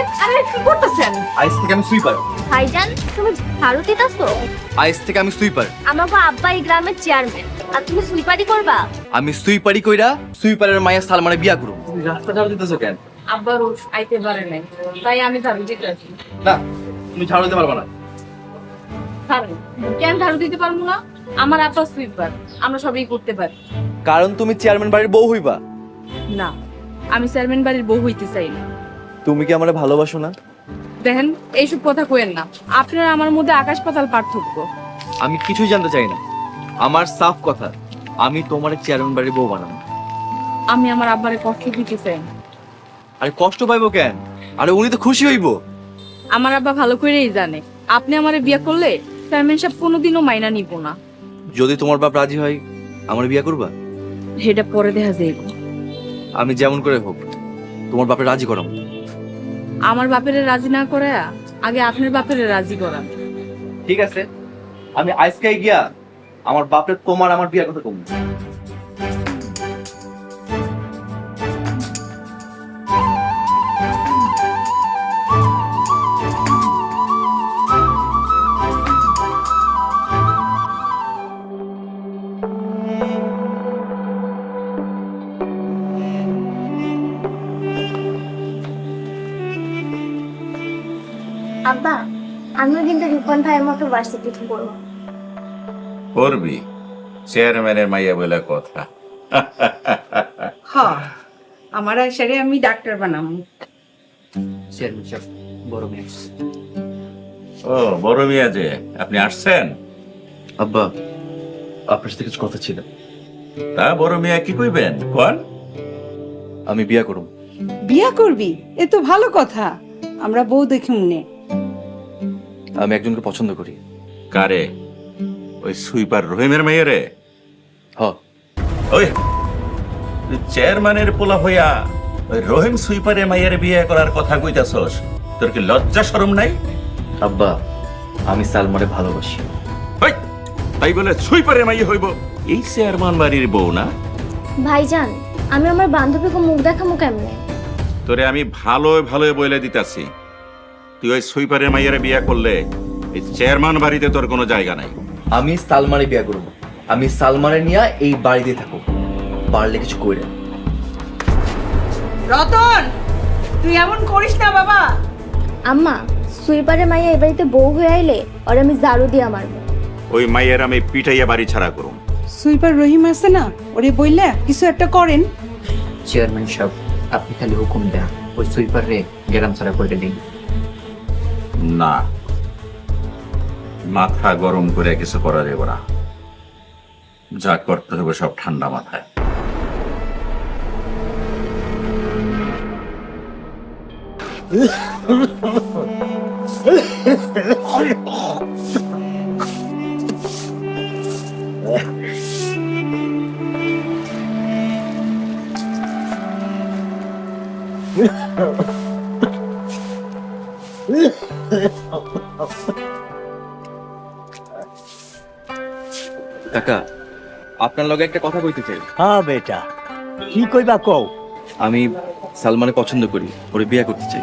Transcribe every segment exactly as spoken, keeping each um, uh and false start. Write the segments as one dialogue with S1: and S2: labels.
S1: আরে কি করতেছেন?
S2: আইস থেকে আমি সুইপার।
S3: ভাইজান তুমি ঝাড়ু দিতাছো?
S2: আইস থেকে আমি সুইপার।
S3: আমাকে আব্বা এই গ্রামের চেয়ারম্যান আর তুমি সুইপারি করবা?
S2: আমি সুইপারি কইরা সুইপারের মায়া সালমানে বিয়া করব। তুমি রাস্তা ঝাড়ু দিতেছো কেন?
S1: আব্বা রোজ আইতে পারে নাই, তাই আমি ঝাড়ু দিতেছি।
S2: না, তুমি ঝাড়ু দিতে পারবে না।
S1: পারেন কেন ঝাড়ু দিতে পারবো না? আমার আব্বা সুইপার, আমরা সবই করতে পারি।
S2: কারণ তুমি চেয়ারম্যান বাড়ির বউ হইবা।
S1: না, আমি চেয়ারম্যান বাড়ির বউ হইতে চাই না।
S2: তুমি কি আমারে ভালোবাসো না?
S1: দেখেন এইসব কথা কইেন না, আপনার আমার মধ্যে আকাশ পাতাল পার্থক্য।
S2: আমি কিছুই জানতে চাই না। আমার সাফ কথা, আমি তোমার চেয়ারম্যান বাড়ির বউ বানাবো।
S1: আমি আমার আব্বারে কষ্ট দিতে চাই না।
S2: আরে কষ্ট পাইবো কেন? আরে উনি তো খুশি হইবো।
S1: আমার আব্বা ভালো করেই জানে আপনি আমারে বিয়ে করলে চেয়ারম্যান সাহেব কোনোদিনও মাইনা নিব না।
S2: যদি তোমার বাপ রাজি হয় আমার বিয়া করবা?
S1: সেটা পরে দেখা যাইব।
S2: আমি যেমন করে হোক তোমার বাপে রাজি করাম।
S1: আমার বাপের রাজি না করে আগে আপনার বাপের রাজি করান।
S2: ঠিক আছে, আমি আজকে গিয়া আমার বাপের তোমার আমার বিয়ার কথা কমবো।
S3: আব্বা আমিও কিন্তু রিপন ভাইয়ের মতো ভার্সিটিতে পড়বো।
S4: করবি? চেয়ারম্যানের মাইয়া বলে কথা।
S5: হ্যাঁ, আমার আশারে আমি ডাক্তার বানাবো।
S2: চেয়ারম্যান সাহেব বড় মেয়ে।
S4: ও বড় মিয়া যে, আপনি আসছেন?
S2: আব্বা আপনার সাথে কিছু কথা ছিল।
S4: তা বড় মিয়া কি কইবেন কোন?
S2: আমি বিয়া করব।
S5: বিয়া করবি? এ তো ভালো কথা, আমরা বউ দেখি মনে।
S2: আমি একজনকে পছন্দ করি।
S4: কারে? ওই সুইপার রহিমের মাইয়ারে?
S2: হ।
S4: ওই তুই চেয়ারম্যানের পোলা হইয়া ওই রহিম সুইপারের মাইয়ারে বিয়ে করার কথা কইতাছস? তোর কি লজ্জা শরম নাই?
S2: আব্বা আমি সালমারে ভালোবাসি।
S4: ওই তাই বলে সুইপারের মাইয়া হইব? এই চেয়ারম্যান বাড়ির বউ না?
S3: ভাইজান আমি আমার বান্ধবীকে মুখ দেখামু কেমনে?
S4: তোরে আমি ভালো ভালো বলে দিতাছি, তুই ওই সুইপারের মাইয়ারে বিয়ে করলে এই চেয়ারম্যান বাড়িতে তোর কোনো জায়গা নাই।
S2: আমি সালমারে বিয়া করব। আমি সালমারে নিয়ে এই বাড়িতে থাকো, পারলে কিছু কইরা।
S5: রতন, তুই এমন করিস না বাবা।
S3: আম্মা সুইপারের মাইয়া এই বাড়িতে বউ হয়ে আইলে আর আমি ঝাড়ু দিয়ে মারবো।
S4: ওই মাইয়ার আমি পিটাইয়া বাড়ি ছাড়া করুম।
S5: সুইপার রহিম আছে না, ওরে বইলা কিছু একটা করেন।
S6: চেয়ারম্যান সাহেব আপনি খালি হুকুম দেন, ওই সুইপার রে গ্রাম ছাড়া করে দিন।
S4: না, মাথা গরম করে কিছু করা যাবে না, যা করতে হবে সব ঠান্ডা মাথায়।
S2: কাকা আপনার লগে একটা কথা কইতে চাই।
S7: হ্যাঁ বেটা, কি কইবা কও।
S2: আমি সালমানে পছন্দ করি, ওরে বিয়া করতে চাই।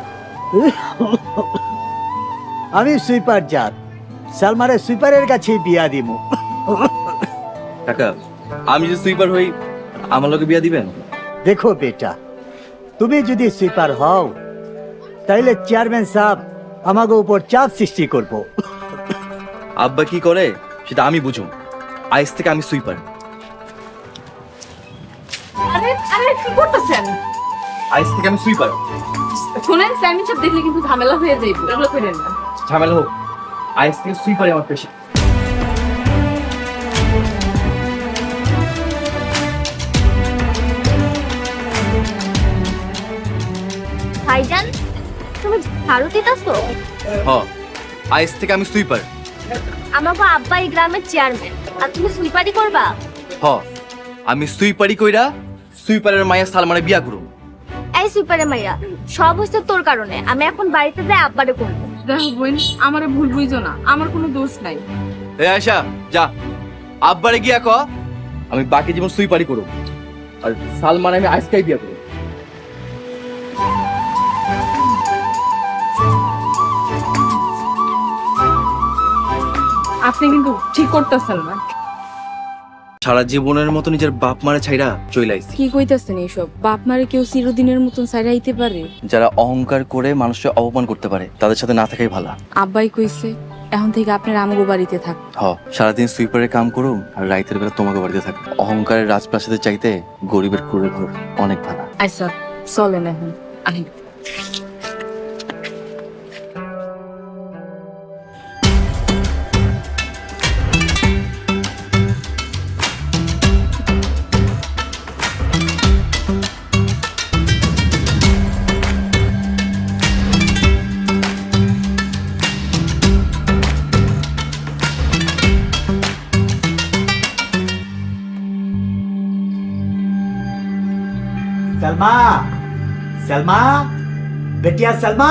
S7: আমি সুইপার জাত, সালমারে সুইপারের কাছে বিয়া দিমু।
S2: কাকা আমি যে সুইপার হই আমার লগে বিয়া দিবেন?
S7: দেখো বেটা, তুমি যদি সুইপার হও তাইলে চেয়ারম্যান সাহেব আমাকে উপর চাপ সৃষ্টি করব।
S2: আব্বা কি করে সেটা আমি বুঝুম। আইস থেকে আমি সুইপার।
S1: আরে আরে কি করতেছেন?
S2: আইস থেকে আমি সুইপার।
S1: শুনেন চেয়ারম্যান সাহেব দেখলে কিন্তু ঝামেলা হয়ে যাইব, এগুলো করেন না।
S2: ঝামেলা হোক, আইস থেকে সুইপারে আমার পেশা।
S3: ভাইজান তুমি ঝাড়ু দিতাছো?
S2: হ, আইস থেকে আমি সুইপার।
S3: আমাকে আব্বা এই গ্রামের চেয়ারম্যান আর তুমি সুইপারি করবা?
S2: হ, আমি সুইপারি কইরা সুইপারের মায়া সালমানে বিয়া করব।
S3: এই সুইপারের মাইয়া সব হচ্ছে তোর কারণে। আমি এখন বাড়িতে যাই আব্বারে করবো।
S1: দেখো বোন, আমারে ভুল বুঝো না, আমার কোনো দোষ নাই।
S2: এ আয়শা যা, আব্বারে গিয়া ক আমি বাকি জীবন সুইপারি করব, আর সালমান আমি আইসকাই বিয়া করব।
S1: আপনি কিন্তু ঠিক করতেছেন না।
S2: সারা জীবনের মতো নিজের বাপ মারে ছাইরা চইলাইছি।
S1: কি কইতাছেন এইসব? বাপ মারে কেউ চিরদিনের মতন ছাইরা আইতে পারে?
S2: যারা অহংকার করে মানুষকে অপমান করতে পারে তাদের সাথে না থাকাই ভালো।
S1: আব্বাই কইছে এখন থেকে আপনার আমগো বাড়িতে থাক।
S2: হ, সারাদিন সুইপারের কাম করুম আর রাইতের বেলা তোমাকে বাড়িতে থাক। অহংকারের রাজপ্রাসাদের চাইতে গরিবের কুড়ে ঘর অনেক ভালো।
S1: আচ্ছা চলেন এখন আহি।
S7: सलमा सलमा बेटिया सलमा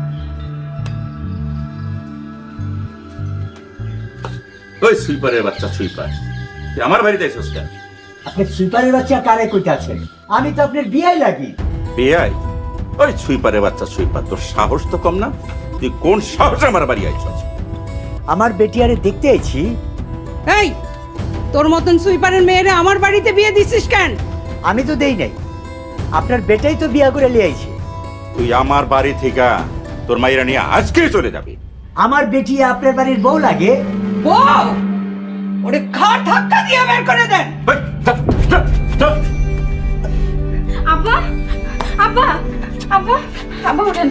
S4: ওই সুইপারের বাচ্চা সুইপার, তুই আমার বাড়িতে এসেছিস কেন?
S7: আপনি সুইপারের বাচ্চা কারে কইতাছেন? আমি তো আপনার বিয়াই লাগি।
S4: বিয়াই? ওই সুইপারের বাচ্চা সুইপার, তোর সাহস তো কম না? তুই কোন সাহসে আমার বাড়ি আইছস?
S7: আমার বেটিয়ারে দেখতে আইছি।
S5: এই তোর মতন সুইপারের মেয়েরে আমার বাড়িতে বিয়ে দিছিস কেন?
S7: আমি তো দেই নাই, আপনার বেটাই তো বিয়া করে লিয়ে আইছে।
S4: তুই আমার বাড়ি থেকে তোর মাইরা নিয়ে আজকেই চলে যাবি।
S7: আমার বেটি আপনার বাড়ির বউ লাগে?
S5: বউ ওরে ঘাট ধাক্কা দিয়ে বের করে দেন।
S4: ওই, যা, যা, যা।
S1: আব্বা আব্বা আব্বা আব্বা ওঠেন।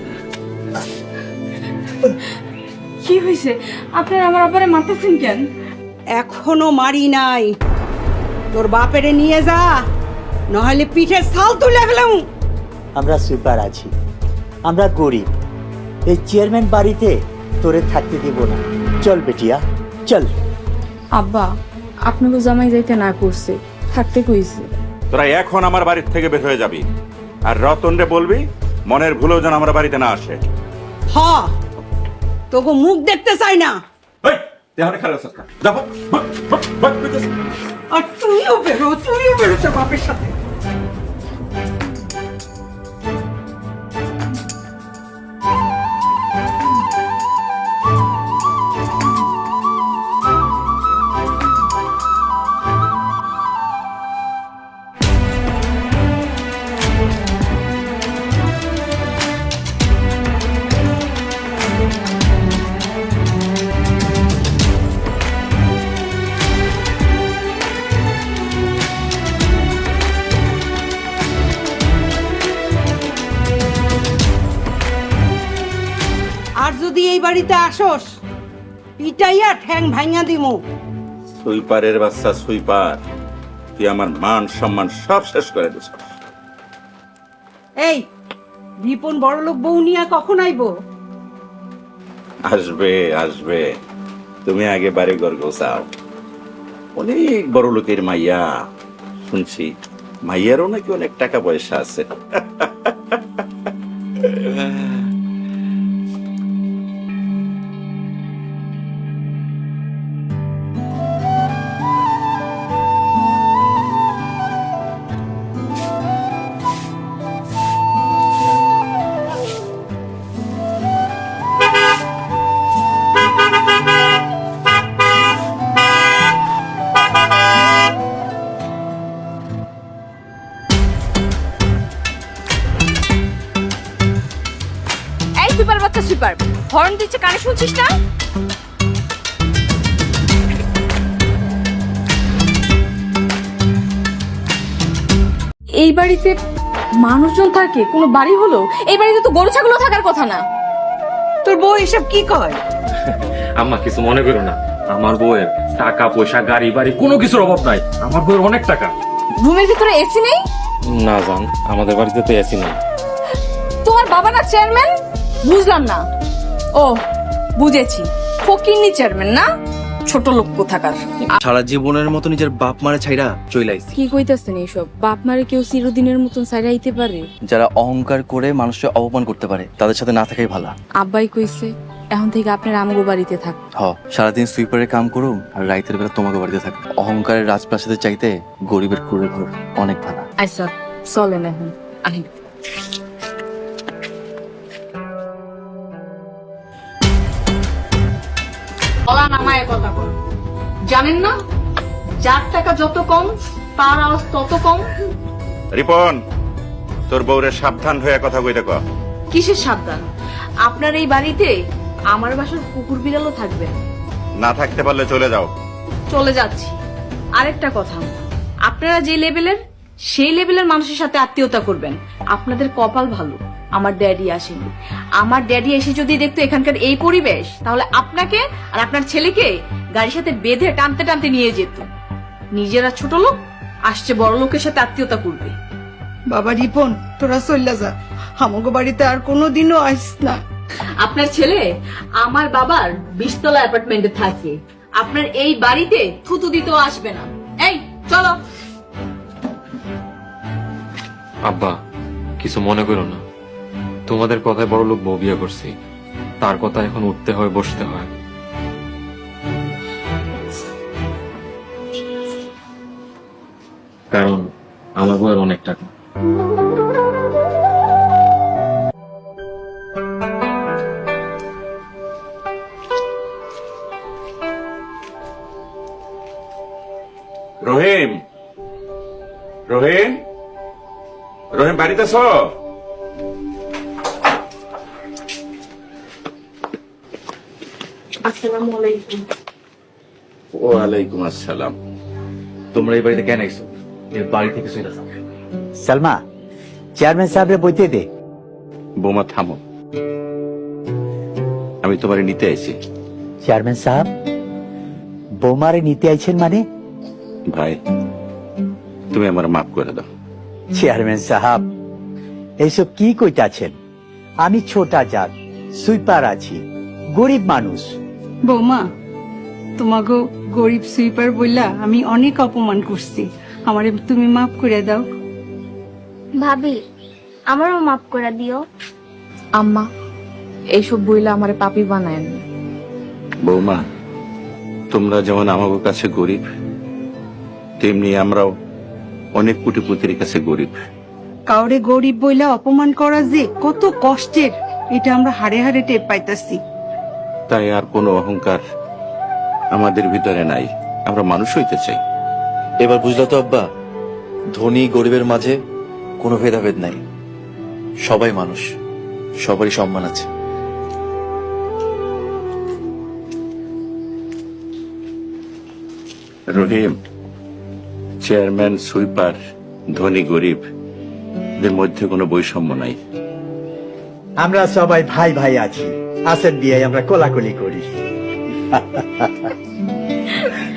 S1: কি হয়েছে? আপনার আমার আব্বারে মারতেছেন কেন?
S5: এখনো মারি নাই, তোর বাপেরে নিয়ে যা, নইলে পিঠে ছাল তুলে ফেলাম।
S7: আমরা সুইপার আছি, আমরা গরিব, এই চেয়ারম্যান বাড়িতে তোরে থাকতে দিব না। চল বেটিয়া চল।
S1: আব্বা আপনাকে জামাই যাইতে না করছে, থাকতে কইছে।
S4: তোরা এখন আমার বাড়ির থেকে বের হয়ে যাবি, আর রতন রে বলবি মনের ভুলেও যেন আমার বাড়িতে না আসে।
S5: হ তোকে মুখ দেখতে চাই না।
S4: ওই, তুই আমার খারাপ আছিস কেন? যা, ভাগ, ভাগ, ভাগ, ভাগ, ভাগ।
S5: আর তুইও বেরো, তুইও বেরোচ্ছে বাপের সাথে। আর যদি এই বাড়িতে আসোস পিটাইয়া ঠ্যাং ভাঙা দিমু।
S4: সুইপারের বাচ্চা সুইপার, তুই আমার মান সম্মান সব শেষ করে দিস।
S5: এই রিপন বড়লোক বউ নিয়া কখন আইবো?
S4: আসবে আসবে, তুমি আগে বাড়ি ঘর গোছাও। অনেক বড় লোকের মাইয়া, শুনছি মাইয়ারও নাকি অনেক টাকা পয়সা আছে।
S1: এই সুপার বাচ্চা সুপার, হর্ন দিচ্ছে কানে শুনছিস না? এই বাড়িতে মানুষজন থাকে, কোনো বাড়ি হলো? এই বাড়িতে তো গরু ছাগলও থাকার কথা না।
S5: তোর বউ এসব কি কয়?
S8: আম্মা কিছু মনে করো না, আমার বউয়ের টাকা পয়সা গাড়ি বাড়ি কোনো কিছুর অভাব নাই। আমার বউয়ের অনেক টাকা।
S1: রুমের ভিতরে এসি নেই?
S8: না জান, আমাদের বাড়িতে তো এসি নেই।
S1: তোমার বাবা না চেয়ারম্যান? বুঝলাম না। ও বুঝেছি, ফকিরনি চেয়ারম্যান না, ছোট লোক কোথাকার।
S2: সারা জীবনের মতো নিজের বাপ মারে ছাইরা চইলাইছি।
S1: কি কইতাছেন এইসব? বাপ মারে কেউ চিরদিনের মতন ছাইরা আইতে পারে?
S2: যারা অহংকার করে মানুষকে অপমান করতে পারে তাদের সাথে না থাকাই ভালো।
S1: আব্বাই কইছে এখন থেকে আপনার আমগো বাড়িতে থাক।
S2: হ, সারাদিন সুইপারের কাম করুম আর রাইতের বেলা তোমাকে বাড়িতে থাক। অহংকারের রাজপ্রাসাদের চাইতে গরিবের কুড়ে ঘর অনেক ভালো।
S1: আচ্ছা চলেন এখন আহি। গলা নামায় কথা বল। জানেন না যার টাকা যত কম তার আওয়াজ তত কম।
S4: রিপন, তোর বউরে সাবধান হয়ে কথা কইতে ক।
S1: কিসের সাবধান? আপনার এই বাড়িতে আমার বাসার কুকুর বিড়ালও থাকবে।
S4: না থাকতে পারলে চলে যাও।
S1: চলে যাচ্ছি। আরেকটা কথা, আপনারা যে লেভেলের সেই লেভেলের মানুষের সাথে আত্মীয়তা করবেন। আপনাদের কপাল ভালো, আমার ড্যাডি আসেনি। আমার ড্যাডি এসে যদি দেখতো এখানকার এই পরিবেশ, তাহলে আপনাকে আর আপনার ছেলেকে গাড়ির সাথে বেঁধে টানতে টানতে নিয়ে যেত। নিজেরা ছোট লোক, আসছে বড় লোকের সাথে আত্মীয়তা করবে।
S5: বাবা রিপন, তোরা চল্লা যা, আমাকে বাড়িতে আর কোনোদিনও আইস না।
S1: আপনার ছেলে আমার বাবার বিশতলা অ্যাপার্টমেন্টে থাকে। আপনার এই বাড়িতে থুতু দিতেও আসবে না। এই চলো।
S8: আব্বা কিছু মনে করো না, তোমাদের কথায় বড় লোক বউ বিয়ে করছি, তার কথা এখন উঠতে হয় বসতে হয়। কারণ আমার বউয়ের অনেক টাকা।
S4: রহিম, রহিম, রহিম বাড়িতে আছো?
S1: আসসালামু আলাইকুম।
S4: ওয়ালাইকুম আসসালাম।
S2: তোমরা এই বাড়িতে কেন আইছো? এই বাড়ি থেকে চলে যাও।
S7: সালমা, চেয়ারম্যান সাহেবরে বইতে দে।
S4: বোমা থামো, আমি তোমারে নিতে আইছি।
S7: চেয়ারম্যান সাহেব বৌমারে নিতে আইছেন মানে?
S4: ভাই, তুমি আমার মাফ করে দাও।
S7: চেয়ারম্যান সাহেব এইসব কি কইতাছেন? আমি ছোটা জাত, সুইপার আছি, গরিব মানুষ।
S5: বৌমা, তোমাকে গরিব সুইপার বললা আমি অনেক অপমান করছি, আমারে তুমি মাফ করে দাও।
S3: ভাবি, আমারও মাফ করে দিও।
S1: আম্মা, এইসব বইলে আমারে পাপি বানায় না।
S4: বৌমা, তোমরা যেমন আমাদের কাছে গরিব, তেমনি আমরাও অনেক কোটিপতির কাছে গরিব।
S5: কাউরে গরিব বইলা অপমান করা যে কত কষ্টের, এটা আমরা হাড়ে হাড়ে টের পাইতাছি।
S4: তাই আর কোনো অহংকার আমাদের ভিতরে নাই, আমরা মানুষ হইতে চাই।
S2: এবার বুঝলো তো আব্বা, ধনী গরিবের মাঝে কোনো ভেদাভেদ নাই, সবাই মানুষ, সবারই সম্মান আছে।
S4: রহিম, চেয়ারম্যান, সুইপার, ধনী গরিব এদের মধ্যে কোনো বৈষম্য নাই।
S7: আমরা সবাই ভাই ভাই আছি, আসেন বিয়ে আমরা কোলাকুলি করি।